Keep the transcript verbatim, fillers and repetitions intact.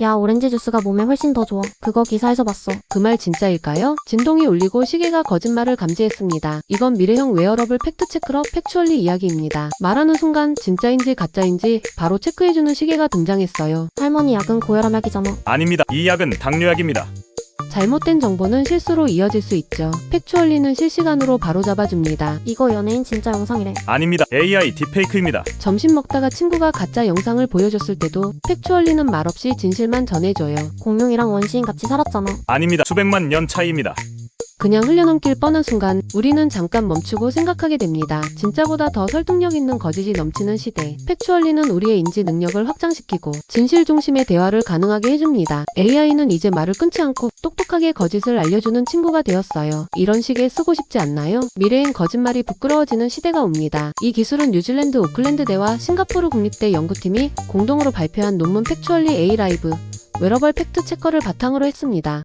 야, 오렌지 주스가 몸에 훨씬 더 좋아. 그거 기사에서 봤어. 그 말 진짜일까요? 진동이 울리고 시계가 거짓말을 감지했습니다. 이건 미래형 웨어러블 팩트체크러 팩추얼리 이야기입니다. 말하는 순간 진짜인지 가짜인지 바로 체크해주는 시계가 등장했어요. 할머니 약은 고혈압 약이잖아. 아닙니다. 이 약은 당뇨약입니다. 잘못된 정보는 실수로 이어질 수 있죠. 팩추얼리는 실시간으로 바로 잡아줍니다. 이거 연예인 진짜 영상이래. 아닙니다. 에이아이 딥페이크입니다. 점심 먹다가 친구가 가짜 영상을 보여줬을 때도 팩추얼리는 말없이 진실만 전해줘요. 공룡이랑 원시인 같이 살았잖아. 아닙니다. 수백만 년 차이입니다. 그냥 흘려넘길 뻔한 순간 우리는 잠깐 멈추고 생각하게 됩니다. 진짜보다 더 설득력 있는 거짓이 넘치는 시대. 팩추얼리는 우리의 인지 능력을 확장시키고 진실 중심의 대화를 가능하게 해줍니다. 에이아이는 이제 말을 끊지 않고 똑똑하게 거짓을 알려주는 친구가 되었어요. 이런 시계 쓰고 싶지 않나요? 미래엔 거짓말이 부끄러워지는 시대가 옵니다. 이 기술은 뉴질랜드 오클랜드대와 싱가포르 국립대 연구팀이 공동으로 발표한 논문 팩추얼리 에이 라이브 웨러벌 팩트 체커를 바탕으로 했습니다.